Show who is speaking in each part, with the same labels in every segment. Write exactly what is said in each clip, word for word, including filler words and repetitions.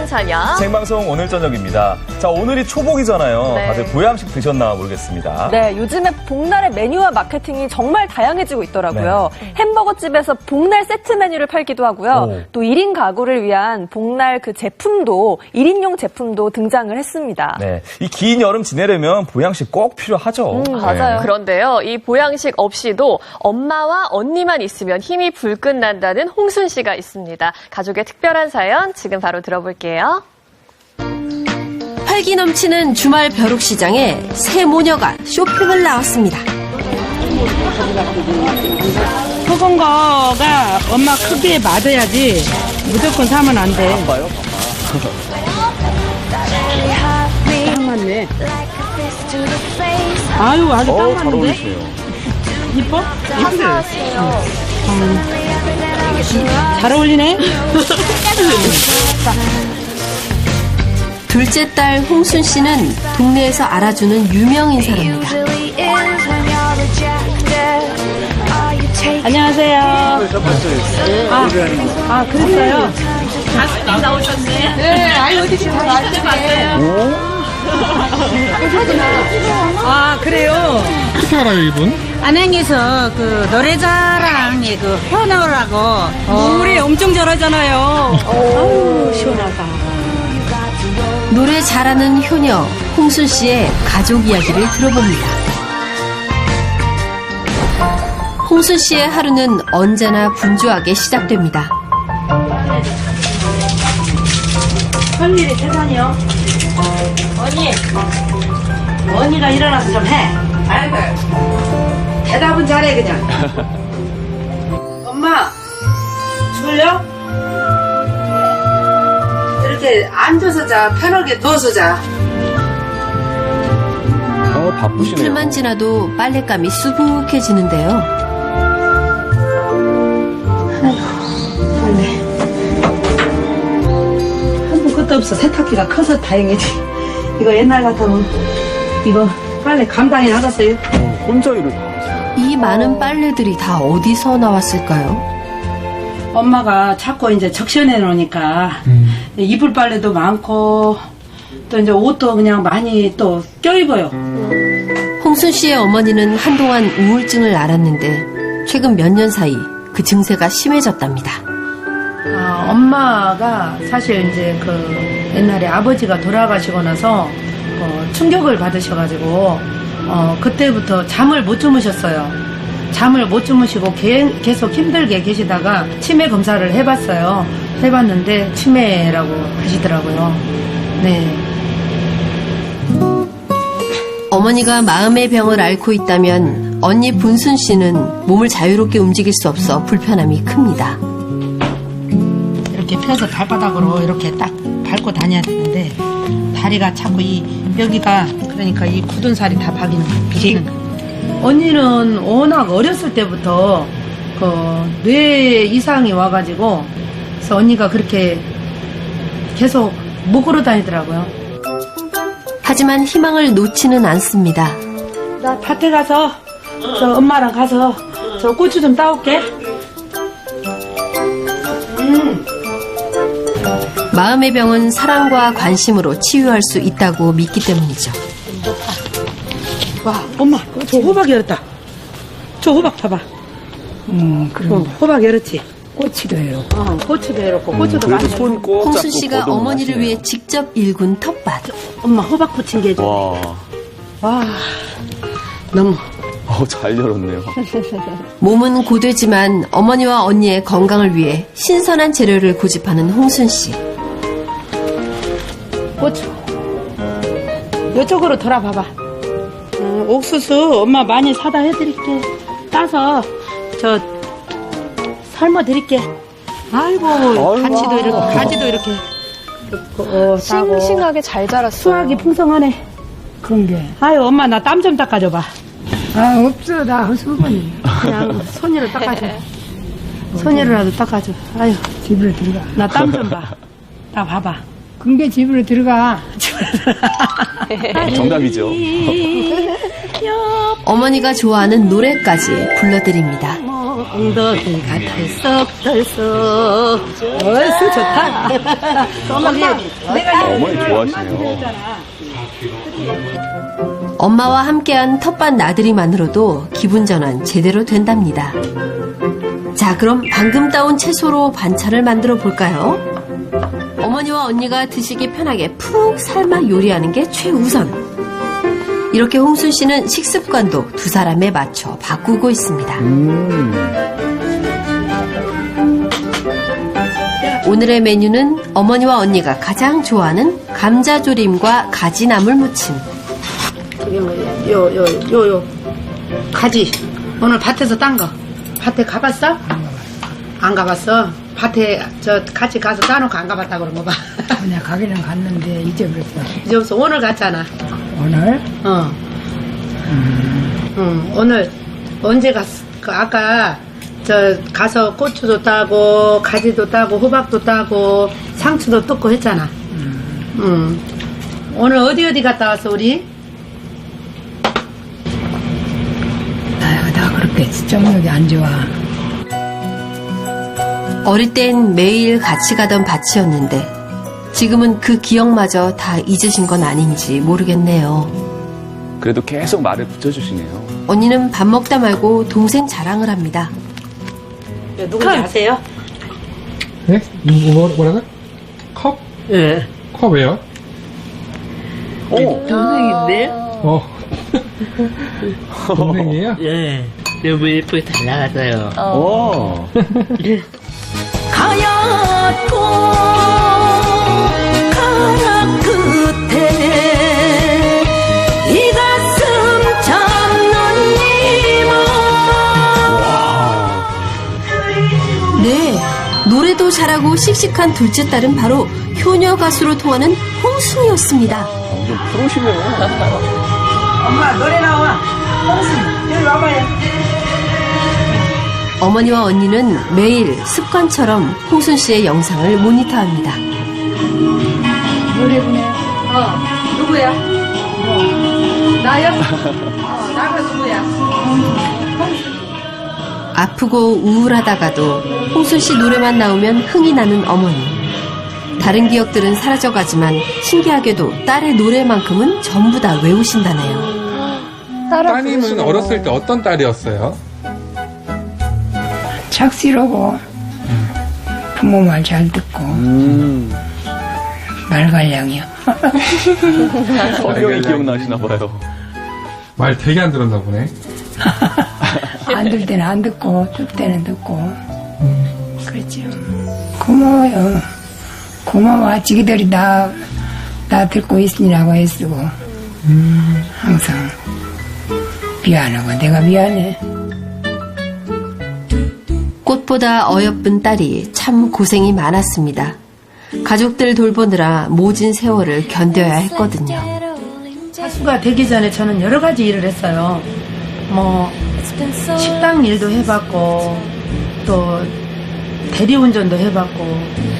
Speaker 1: 사냥.
Speaker 2: 생방송 오늘 저녁입니다. 자, 오늘이 초복이잖아요.
Speaker 1: 네.
Speaker 2: 다들 보양식 드셨나 모르겠습니다.
Speaker 3: 네, 요즘에 복날의 메뉴와 마케팅이 정말 다양해지고 있더라고요.
Speaker 1: 네.
Speaker 3: 햄버거집에서 복날 세트 메뉴를 팔기도 하고요.
Speaker 2: 오.
Speaker 3: 또 일 인 가구를 위한 복날 그 제품도, 일 인용 제품도 등장을 했습니다.
Speaker 2: 네, 이 긴 여름 지내려면 보양식 꼭 필요하죠.
Speaker 3: 음, 맞아요.
Speaker 2: 네.
Speaker 1: 그런데요, 이 보양식 없이도 엄마와 언니만 있으면 힘이 불끈 난다는 홍순 씨가 있습니다. 가족의 특별한 사연 지금 바로 들어볼게요.
Speaker 4: 활기 넘치는 주말 벼룩시장에 새 모녀가 쇼핑을 나왔습니다.
Speaker 5: 소금 거가 엄마 크기에 맞아야지 무조건 사면 안 돼.
Speaker 2: 아빠요?
Speaker 5: 딱 맞네. 아유, 아주 딱
Speaker 2: 어, 잘
Speaker 5: 맞는데?
Speaker 2: 어울리시네요.
Speaker 5: 이뻐? 이쁘네. 음. 잘 어울리네?
Speaker 4: 둘째 딸 홍순 씨는 동네에서 알아주는 유명 인사랍니다.
Speaker 5: 안녕하세요. 아, 아 그랬어요? 가수님 나오셨네. 네, 아유, 어디 지금 나한테 봤어요. 아, 그래요?
Speaker 6: 어떻게 알아요, 이분?
Speaker 5: 안양에서 그 노래자랑에 그 현아라고 노래 엄청 잘하잖아요. 아유, 시원하다.
Speaker 4: 노래 잘하는 효녀 홍순 씨의 가족 이야기를 들어봅니다. 홍순 씨의 하루는 언제나 분주하게 시작됩니다.
Speaker 5: 할 일이 세상이요. 언니, 언니가 일어나서 좀 해. 아이고, 대답은 잘해 그냥. 엄마, 졸려? 이렇게 앉아서 자, 편하게 누워서 자.
Speaker 2: 어, 바쁘시네요.
Speaker 4: 이틀만 지나도 빨랫감이 수북해지는데요.
Speaker 5: 한번 끝도 없어. 세탁기가 커서 다행이지. 이거 옛날 같으면 이거 빨래 감당이 나갔어요.
Speaker 2: 어, 혼자 일을 다 하세요.
Speaker 4: 이 많은 빨래들이 다 어디서 나왔을까요?
Speaker 5: 엄마가 자꾸 이제 적셔내 놓으니까
Speaker 6: 음.
Speaker 5: 이불 빨래도 많고 또 이제 옷도 그냥 많이 또 껴입어요.
Speaker 4: 홍순 씨의 어머니는 한동안 우울증을 앓았는데 최근 몇 년 사이 그 증세가 심해졌답니다.
Speaker 5: 아, 엄마가 사실 이제 그 옛날에 아버지가 돌아가시고 나서 어, 충격을 받으셔가지고 어, 그때부터 잠을 못 주무셨어요. 잠을 못 주무시고 게, 계속 힘들게 계시다가 치매 검사를 해봤어요. 해봤는데 치매라고 하시더라고요. 네.
Speaker 4: 어머니가 마음의 병을 앓고 있다면 언니 분순 씨는 몸을 자유롭게 움직일 수 없어 불편함이 큽니다.
Speaker 5: 이렇게 펴서 발바닥으로 이렇게 딱 밟고 다녀야 되는데 다리가 자꾸 이 여기가 그러니까 이 굳은 살이 다 박이는 비기는 거예요. 언니는 워낙 어렸을 때부터 그 뇌 이상이 와가지고 그래서 언니가 그렇게 계속 못 걸어 다니더라고요.
Speaker 4: 하지만 희망을 놓지는 않습니다.
Speaker 5: 나 밭에 가서 저 엄마랑 가서 저 고추 좀 따올게. 음.
Speaker 4: 마음의 병은 사랑과 관심으로 치유할 수 있다고 믿기 때문이죠.
Speaker 5: 와, 엄마, 저 호박 열었다. 저 호박 봐봐.
Speaker 7: 음, 그럼
Speaker 5: 어, 호박 열었지?
Speaker 7: 꼬치도 해요.
Speaker 5: 어, 고추도 열었고, 고추도
Speaker 2: 그래도
Speaker 5: 많이
Speaker 2: 손 꼭
Speaker 4: 홍순
Speaker 2: 잡고
Speaker 4: 씨가
Speaker 2: 거동을
Speaker 4: 어머니를
Speaker 2: 하시네요.
Speaker 4: 위해 직접 일군 텃밭.
Speaker 5: 엄마 호박 부친 게 좀.
Speaker 2: 와,
Speaker 5: 와, 너무.
Speaker 2: 어, 잘 열었네요.
Speaker 4: 몸은 고되지만 어머니와 언니의 건강을 위해 신선한 재료를 고집하는 홍순 씨.
Speaker 5: 고추. 이쪽으로 돌아봐봐. 어, 옥수수 엄마 많이 사다 해드릴게. 따서 저 삶아 드릴게. 아이고, 가지도 이렇게, 가지도 이렇게. 어, 따고.
Speaker 3: 싱싱하게 잘 자랐어요.
Speaker 5: 수확이 풍성하네.
Speaker 7: 그런 게.
Speaker 5: 아유, 엄마 나 땀 좀 닦아줘봐.
Speaker 7: 아, 없어. 나 허수건이.
Speaker 5: 그냥 손으로 닦아줘. 손으로라도 닦아줘. 아유,
Speaker 7: 집으로 들어가.
Speaker 5: 나 땀 좀 봐. 나 봐봐.
Speaker 7: 근데 집으로 들어가.
Speaker 2: 정답이죠.
Speaker 4: 어머니가 좋아하는 노래까지 불러드립니다.
Speaker 5: 엉덩이 같아 썩덜썩. 얼쑤 좋다. 엄마, 내가
Speaker 2: 어머니 좋아하시네요.
Speaker 4: 엄마와 함께한 텃밭 나들이만으로도 기분 전환 제대로 된답니다. 자, 그럼 방금 따온 채소로 반찬을 만들어 볼까요? 어머니와 언니가 드시기 편하게 푹 삶아 요리하는 게 최우선. 이렇게 홍순 씨는 식습관도 두 사람에 맞춰 바꾸고 있습니다. 오늘의 메뉴는 어머니와 언니가 가장 좋아하는 감자조림과 가지나물 무침.
Speaker 5: 저기 뭐, 요, 요, 요, 요. 가지. 오늘 밭에서 딴 거. 밭에 가봤어? 안 가봤어? 밭에 저 같이 가서 따놓고 안 가봤다 그런 거 봐.
Speaker 7: 그냥 가기는 갔는데 잊어버렸어.
Speaker 5: 이제 없어. 오늘 갔잖아.
Speaker 7: 오늘?
Speaker 5: 어. 응, 오늘 언제 갔어? 그 아까 저 가서 고추도 따고 가지도 따고 호박도 따고 상추도 뜯고 했잖아. 응. 오늘 어디 어디 갔다 왔어 우리?
Speaker 7: 아유, 나 그렇게 정력이 안 좋아.
Speaker 4: 어릴 땐 매일 같이 가던 밭이었는데 지금은 그 기억마저 다 잊으신 건 아닌지 모르겠네요.
Speaker 2: 그래도 계속 말을 붙여주시네요.
Speaker 4: 언니는 밥 먹다 말고 동생 자랑을 합니다.
Speaker 5: 누군지 아세요?
Speaker 6: 네? 뭐, 뭐라고? 컵?
Speaker 8: 예.
Speaker 6: 컵이에요?
Speaker 2: 오,
Speaker 8: 동생인데?
Speaker 6: 어. 동생이에요?
Speaker 8: 예. 너무 예쁘게 잘 나갔어요.
Speaker 2: 오.
Speaker 4: 가얗고 가락 끝에 이 가슴 참는 이모. 네, 노래도 잘하고 씩씩한 둘째 딸은 바로 효녀 가수로 통하는 홍순이었습니다.
Speaker 2: 완전 프로시네요.
Speaker 5: 엄마 노래 나와. 홍순 여기 와봐요.
Speaker 4: 어머니와 언니는 매일 습관처럼 홍순 씨의 영상을 모니터합니다.
Speaker 7: 노래 부네.
Speaker 5: 어 누구야? 나요? 어 나가 누구야?
Speaker 4: 아프고 우울하다가도 홍순 씨 노래만 나오면 흥이 나는 어머니. 다른 기억들은 사라져가지만 신기하게도 딸의 노래만큼은 전부 다 외우신다네요.
Speaker 6: 따님은 어렸을 때 어떤 딸이었어요?
Speaker 7: 착실하고 부모 말 잘 듣고
Speaker 2: 음.
Speaker 7: 말갈량이요.
Speaker 2: 성경이 기억나시나 봐요.
Speaker 6: 말 되게 안 들었나 보네.
Speaker 7: 안 들 때는 안 듣고 들 때는 듣고 그렇죠. 고마워요. 고마워. 지기들이 나, 나 듣고 있으니라고 애쓰고 항상 미안하고 내가 미안해.
Speaker 4: 꽃보다 어여쁜 딸이 참 고생이 많았습니다. 가족들 돌보느라 모진 세월을 견뎌야 했거든요.
Speaker 5: 가수가 되기 전에 저는 여러 가지 일을 했어요. 뭐 식당 일도 해봤고 또 대리운전도 해봤고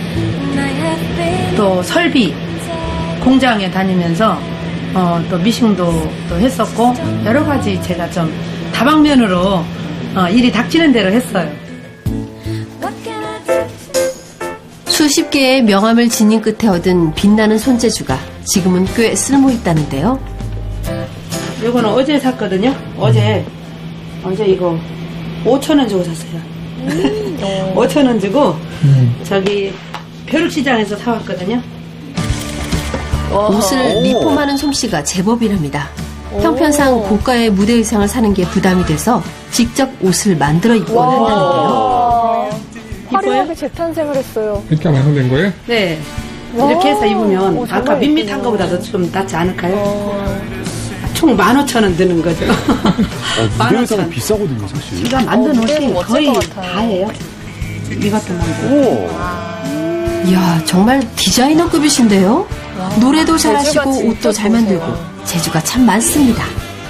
Speaker 5: 또 설비 공장에 다니면서 어, 또 미싱도 또 했었고 여러 가지 제가 좀 다방면으로 어, 일이 닥치는 대로 했어요.
Speaker 4: 수십 개의 명함을 지닌 끝에 얻은 빛나는 손재주가 지금은 꽤 쓸모 있다는데요.
Speaker 5: 이거는 어제 샀거든요. 어제 어제 이거 오천 원 주고 샀어요. 오천 원 주고 저기 벼룩시장에서 사왔거든요.
Speaker 4: 옷을 리폼하는 솜씨가 제법이랍니다. 형편상 고가의 무대 의상을 사는 게 부담이 돼서 직접 옷을 만들어 입곤 한다는데요.
Speaker 3: 화려하게 재탄생을 했어요.
Speaker 6: 이렇게 완성된 거예요?
Speaker 5: 네. 이렇게 해서 입으면
Speaker 3: 오,
Speaker 5: 아까
Speaker 3: 정말
Speaker 5: 밋밋한
Speaker 3: 예쁘네요.
Speaker 5: 거보다도 좀 낫지 않을까요? 총 만 오천 원 드는 거죠. 만
Speaker 2: 무대
Speaker 5: 오천
Speaker 2: 의상은
Speaker 5: 원.
Speaker 2: 비싸거든요, 사실.
Speaker 5: 제가 만든
Speaker 1: 어,
Speaker 5: 옷이
Speaker 1: 무대는 멋질
Speaker 5: 거의
Speaker 1: 것 같아요.
Speaker 5: 다예요. 이것도 만들고.
Speaker 2: 오.
Speaker 4: 이야, 정말 디자이너급이신데요? 노래도
Speaker 1: 재주가
Speaker 4: 잘하시고
Speaker 1: 진짜
Speaker 4: 옷도 잘
Speaker 1: 좋으세요.
Speaker 4: 만들고 재주가 참 많습니다.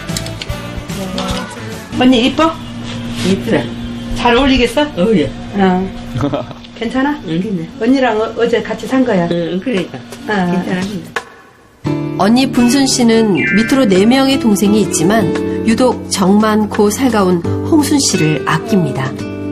Speaker 5: 언니 이뻐?
Speaker 8: 이쁘다.
Speaker 5: 잘 어울리겠어?
Speaker 8: 어, 예.
Speaker 5: 어. 괜찮아?
Speaker 8: 응,
Speaker 5: 언니랑 어, 어제 같이 산 거야.
Speaker 8: 응, 그러니까.
Speaker 5: 어.
Speaker 8: 괜찮습니다.
Speaker 4: 언니 분순 씨는 밑으로 네 명의 동생이 있지만 유독 정 많고 살가운 홍순 씨를 아낍니다.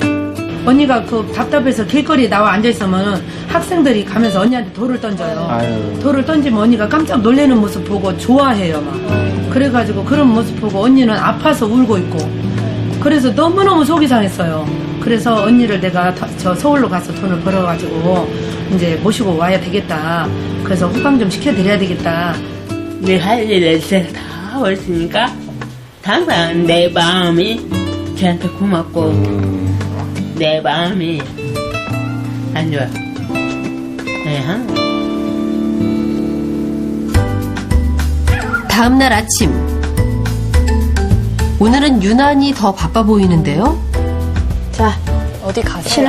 Speaker 5: 언니가 그 답답해서 길거리에 나와 앉아있으면 학생들이 가면서 언니한테 돌을 던져요.
Speaker 2: 아유.
Speaker 5: 돌을 던지면 언니가 깜짝 놀라는 모습 보고 좋아해요, 막. 그래가지고 그런 모습 보고 언니는 아파서 울고 있고. 그래서 너무너무 속이 상했어요. 그래서 언니를 내가 더- 저 서울로 가서 돈을 벌어가지고 이제 모시고 와야 되겠다. 그래서 호강 좀 시켜드려야 되겠다.
Speaker 8: 내 할 일을 제가 다 하고 있으니까 항상 내 마음이 저한테 고맙고 내 마음이 안 좋아. 네, 항상.
Speaker 4: 다음 날 아침. 오늘은 유난히 더 바빠 보이는데요.
Speaker 5: 자,
Speaker 1: 어디 가세요?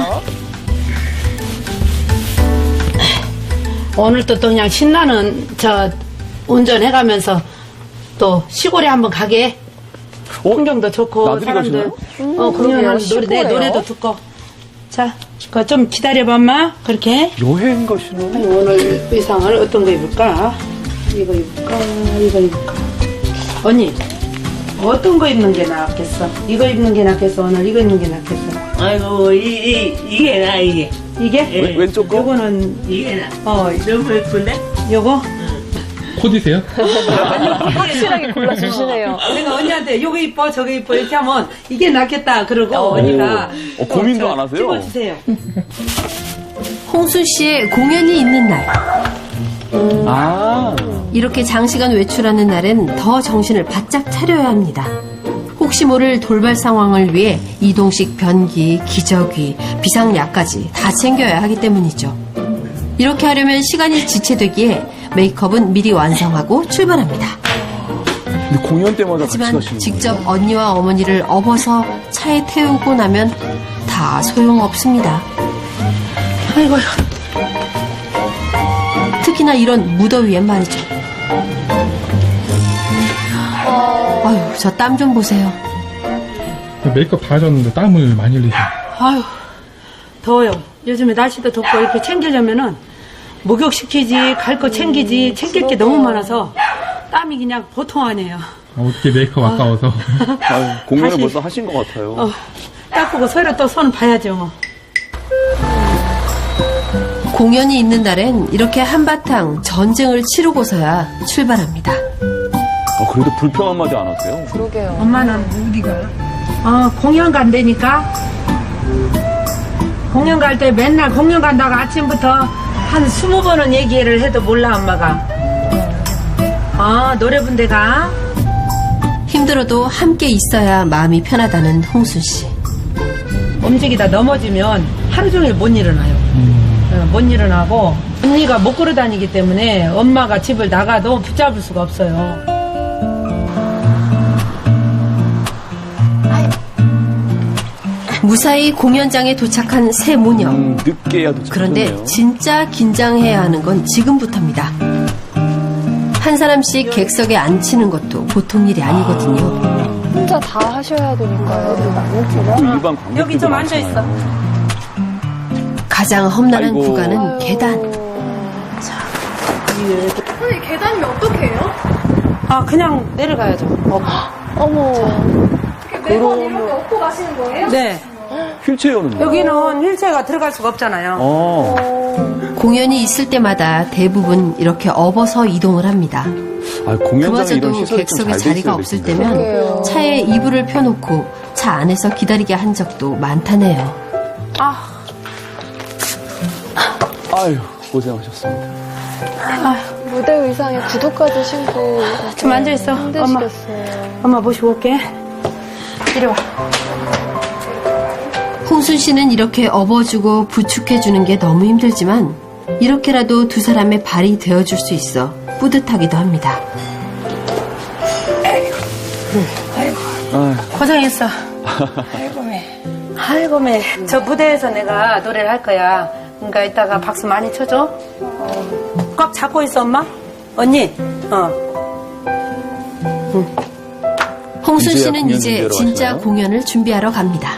Speaker 5: 오늘 또, 또 그냥 신나는 저 운전해가면서 또 시골에 한번 가게. 풍경도 좋고
Speaker 2: 나들이
Speaker 5: 사람들
Speaker 2: 가시나요?
Speaker 5: 어 공연하는 노래 내
Speaker 1: 시골에요?
Speaker 5: 노래도 듣고. 자, 그거 좀 기다려봐, 엄마. 그렇게.
Speaker 2: 여행 가시는?
Speaker 5: 아니, 오늘 의상을 어떤 거 입을까? 이거 입을까? 이거 입을까? 언니, 어떤 거 입는 게 낫겠어? 이거 입는 게 낫겠어? 오늘 이거 입는 게 낫겠어?
Speaker 8: 아이고 이, 이, 이게 나 이게
Speaker 5: 이게?
Speaker 8: 예.
Speaker 2: 왼- 왼쪽 거?
Speaker 5: 요거는
Speaker 8: 이게 나
Speaker 5: 어
Speaker 8: 너무 예쁜데?
Speaker 5: 요거?
Speaker 6: 코디세요?
Speaker 1: 확실하게 골라주시네요.
Speaker 5: 내가 언니한테 요거 이뻐 저거 이뻐 이렇게 하면 이게 낫겠다 그러고 언니가
Speaker 2: 어, 고민도
Speaker 5: 저
Speaker 2: 안 하세요?
Speaker 5: 찍어주세요.
Speaker 4: 홍순 씨의 공연이 있는 날.
Speaker 2: 아.
Speaker 4: 이렇게 장시간 외출하는 날엔 더 정신을 바짝 차려야 합니다. 혹시 모를 돌발 상황을 위해 이동식 변기, 기저귀, 비상약까지 다 챙겨야 하기 때문이죠. 이렇게 하려면 시간이 지체되기에 메이크업은 미리 완성하고 출발합니다.
Speaker 2: 근데 공연 때마다 같이
Speaker 4: 하지만
Speaker 2: 가시는
Speaker 4: 직접 언니와 어머니를 업어서 차에 태우고 나면 다 소용없습니다.
Speaker 5: 아이고
Speaker 4: 특히나 이런 무더위엔 말이죠. 아유, 저 땀 좀 보세요.
Speaker 6: 메이크업 다 하셨는데 땀을 많이 흘리세요.
Speaker 5: 아유 더워요. 요즘에 날씨도 덥고 이렇게 챙기려면은 목욕시키지 갈 거 챙기지 챙길 게 너무 많아서 땀이 그냥 보통 아니에요.
Speaker 6: 어떻게 메이크업 아까워서.
Speaker 2: 아유, 공연을
Speaker 5: 다시-
Speaker 2: 벌써 하신 것 같아요.
Speaker 5: 어, 닦고 서로 또 손 봐야죠. 뭐.
Speaker 4: 공연이 있는 날엔 이렇게 한바탕 전쟁을 치르고서야 출발합니다.
Speaker 2: 어, 그래도 불평 한마디 안 하세요?
Speaker 1: 그러게요.
Speaker 5: 엄마는 어디가? 어, 공연 간다니까? 공연 갈 때 맨날 공연 간다고 아침부터 한 스무 번은 얘기를 해도 몰라, 엄마가. 어, 노래 분대가.
Speaker 4: 힘들어도 함께 있어야 마음이 편하다는 홍순 씨.
Speaker 5: 움직이다 넘어지면 하루 종일 못 일어나요. 어, 못 일어나고, 언니가 못 걸어 다니기 때문에 엄마가 집을 나가도 붙잡을 수가 없어요.
Speaker 4: 무사히 공연장에 도착한 새 모녀.
Speaker 2: 음, 늦게야 도착.
Speaker 4: 그런데 진짜 긴장해야 하는 건 지금부터입니다. 한 사람씩 객석에 앉히는 것도 보통 일이 아니거든요.
Speaker 1: 혼자 다 하셔야 되니까요.
Speaker 2: 일반 관객들도
Speaker 5: 여기 좀 앉아있어.
Speaker 2: 많잖아요.
Speaker 4: 가장 험난한
Speaker 2: 아이고.
Speaker 4: 구간은 계단.
Speaker 1: 계단이 어떻게 해요?
Speaker 5: 아, 그냥 내려가야죠. 어.
Speaker 1: 어머.
Speaker 5: 매번 이렇게 업고 가시는 거예요? 네.
Speaker 2: 휠체어는
Speaker 5: 여기는 휠체어가 들어갈 수가 없잖아요.
Speaker 2: 어.
Speaker 4: 공연이 있을 때마다 대부분 이렇게 업어서 이동을 합니다.
Speaker 2: 아, 공연장에 이런
Speaker 4: 그마저도
Speaker 2: 시설이
Speaker 4: 객석에
Speaker 2: 좀잘돼
Speaker 4: 자리가
Speaker 2: 있어야
Speaker 4: 없을
Speaker 2: 될 텐데.
Speaker 4: 때면 차에 이불을 펴놓고 차 안에서 기다리게 한 적도 많다네요.
Speaker 2: 아유, 고생하셨습니다.
Speaker 1: 무대 의상에 구두까지 신고
Speaker 5: 좀 앉아있어. 엄마.
Speaker 1: 힘드시겠어요.
Speaker 5: 엄마 모시고 올게. 이리 와.
Speaker 4: 홍순 씨는 이렇게 업어주고 부축해주는 게 너무 힘들지만 이렇게라도 두 사람의 발이 되어줄 수 있어 뿌듯하기도 합니다.
Speaker 2: 아유,
Speaker 5: 고생했어. 아이고, 매. 아이고, 매. 저 무대에서 내가 노래를 할 거야. 그러니까 이따가 박수 많이 쳐줘. 어. 꽉 잡고 있어, 엄마. 언니. 어.
Speaker 4: 홍순
Speaker 2: 이제야
Speaker 4: 씨는
Speaker 2: 공연
Speaker 4: 이제
Speaker 2: 준비하러
Speaker 4: 진짜
Speaker 2: 가시나요?
Speaker 4: 공연을 준비하러 갑니다.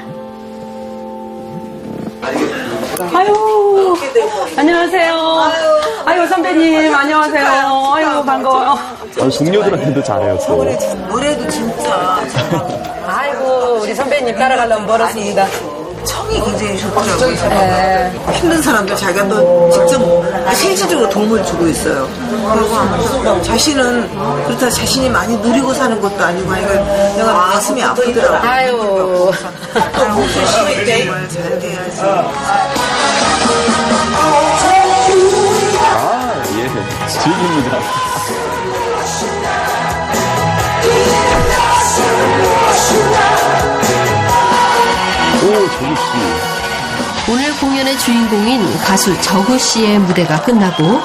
Speaker 5: 아유. 안녕하세요. 아유, 선배님. 안녕하세요. 아유, 반가워요.
Speaker 2: 아유, 동료들한테도 잘해요, 또.
Speaker 5: 아이고, 우리 선배님 따라가려면 멀었습니다.
Speaker 9: 청이 굉장히 좋더라고요. 힘든 사람들 자기가 또 직접 실질적으로 도움을 주고 있어요. 그리고 자신은 그렇다 자신이 많이 누리고 사는 것도 아니고 하니까 내가 가슴이 아프더라고요.
Speaker 5: 아유.
Speaker 9: 홍수 씨 정말 잘 돼야지.
Speaker 2: 아, 예. 즐깁니다. 오, 정우 씨.
Speaker 4: 오늘 공연의 주인공인 가수 정우 씨의 무대가 끝나고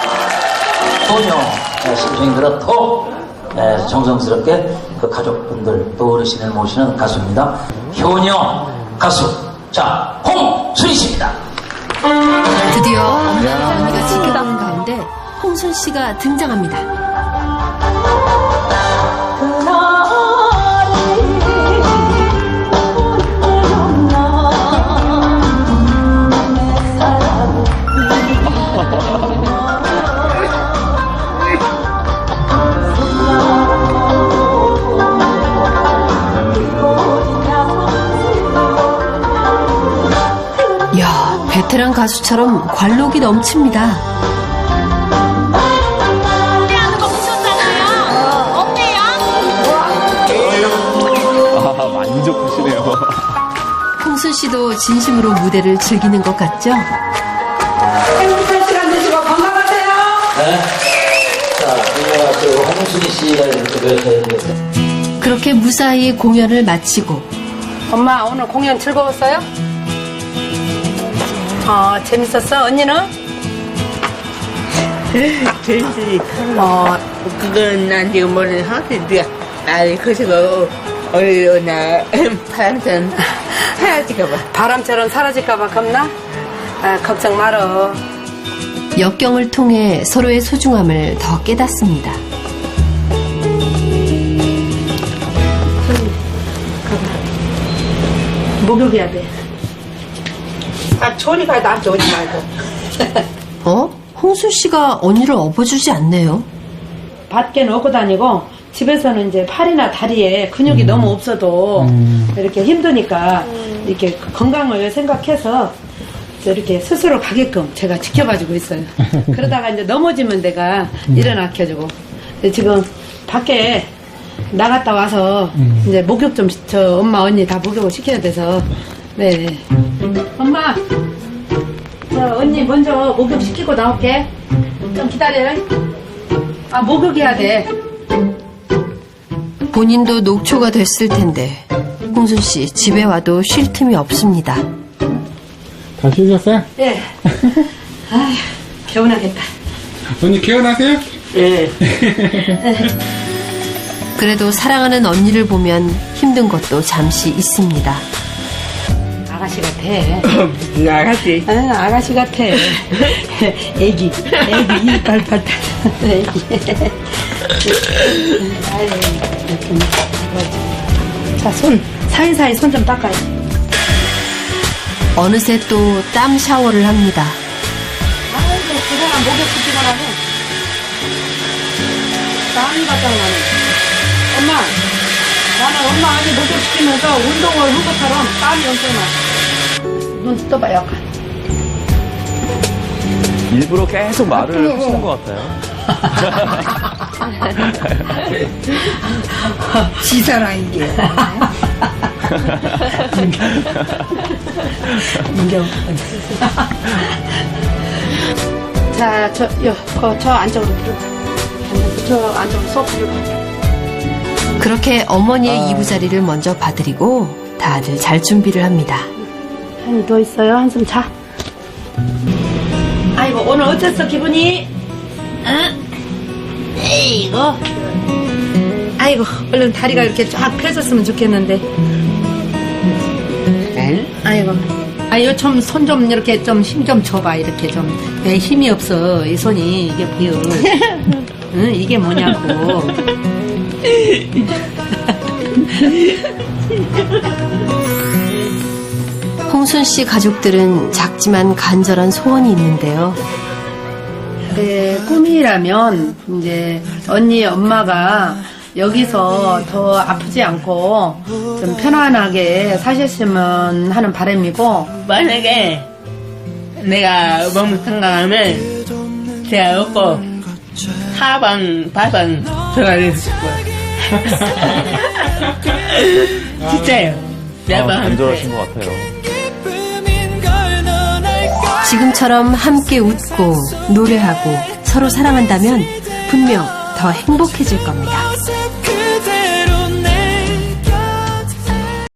Speaker 10: 소녀 심정이 그렇고 정성스럽게 그 가족분들 또 어르신을 모시는 가수입니다. 효녀 가수 자 홍순희 씨입니다.
Speaker 4: 드디어 엄마와 언니가 지켜보는 가운데 홍순 씨가 등장합니다. 이야, 베테랑 가수처럼 관록이 넘칩니다.
Speaker 2: 아, 만족하시네요.
Speaker 4: 홍순 씨도 진심으로 무대를 즐기는 것 같죠?
Speaker 5: 행복한 시간 되시고 건강하세요.
Speaker 10: 네. 자, 이거 홍순희 씨가 이렇게
Speaker 4: 그렇게 무사히 공연을 마치고
Speaker 5: 엄마 오늘 공연 즐거웠어요? 어, 재밌었어? 언니는?
Speaker 8: 재밌지. 어, 그건 난 지금 모르는 상태인데, 아니, 그래서, 어느 날, 바람처럼 사라질까봐.
Speaker 5: 바람처럼 사라질까봐 겁나? 아, 걱정 말어.
Speaker 4: 역경을 통해 서로의 소중함을 더 깨닫습니다.
Speaker 5: 목욕해야 돼. 아, 조리 가야 나한테 오지 말고.
Speaker 4: 어? 홍순 씨가 언니를 업어주지 않네요.
Speaker 5: 밖에 넣고 다니고 집에서는 이제 팔이나 다리에 근육이 음. 너무 없어도 음. 이렇게 힘드니까 이렇게 건강을 생각해서 이렇게 스스로 가게끔 제가 지켜봐주고 있어요. 그러다가 이제 넘어지면 내가 음. 일어나켜주고 지금 밖에 나갔다 와서 음. 이제 목욕 좀 저 엄마 언니 다 목욕을 시켜야 돼서 네. 엄마, 저 언니 먼저 목욕 시키고 나올게. 좀 기다려. 아, 목욕해야 돼.
Speaker 4: 본인도 녹초가 됐을 텐데 홍순 씨 집에 와도 쉴 틈이 없습니다.
Speaker 6: 다 쉬셨어요?
Speaker 5: 예. 아휴, 개운하겠다.
Speaker 6: 언니 개운하세요?
Speaker 8: 예.
Speaker 4: 그래도 사랑하는 언니를 보면 힘든 것도 잠시 있습니다.
Speaker 5: 아가씨 같아.
Speaker 8: 아가씨.
Speaker 5: 응, 아가씨 같아. 애기, 애기, 이빨 팔 애기. 아유, 이렇게. 자, 손, 사이사이 손 좀 닦아요.
Speaker 4: 어느새 또 땀 샤워를 합니다.
Speaker 5: 아이고, 그동안 목욕시키고 나면 땀이 바짝 나네. 엄마, 나는 엄마 아니 목욕시키면서 운동을 한 것처럼 땀이 엄청 나. 눈 떠봐요.
Speaker 2: 일부러 계속 말을 하시는 것 같아요.
Speaker 7: 지사라 이게.
Speaker 5: 문경. 자, 저, 요, 거, 저 안쪽으로 들어가. 저 안쪽으로 쏙 들어가.
Speaker 4: 그렇게 어머니의 이부자리를 먼저 봐드리고 다들 잘 준비를 합니다.
Speaker 5: 한이 누워 있어요. 한숨 자. 아이고, 오늘 어땠어, 기분이? 응? 에이고. 아이고, 얼른 다리가 이렇게 쫙 펴졌으면 좋겠는데.
Speaker 8: 응?
Speaker 5: 아이고. 아이고, 좀, 손 좀 이렇게 좀 힘 좀 줘봐, 이렇게 좀. 내 힘이 없어, 이 손이. 이게 보여. 응, 이게 뭐냐고.
Speaker 4: 홍순 씨 가족들은 작지만 간절한 소원이 있는데요.
Speaker 5: 네, 꿈이라면 이제 언니 엄마가 여기서 더 아프지 않고 좀 편안하게 사셨으면 하는 바람이고,
Speaker 8: 만약에 내가 몸이 건강하면 제가 없고 사방八방 들어가고 싶어요. 진짜요.
Speaker 2: 아, 간절하신 것 같아요.
Speaker 4: 지금처럼 함께 웃고 노래하고 서로 사랑한다면 분명 더 행복해질 겁니다.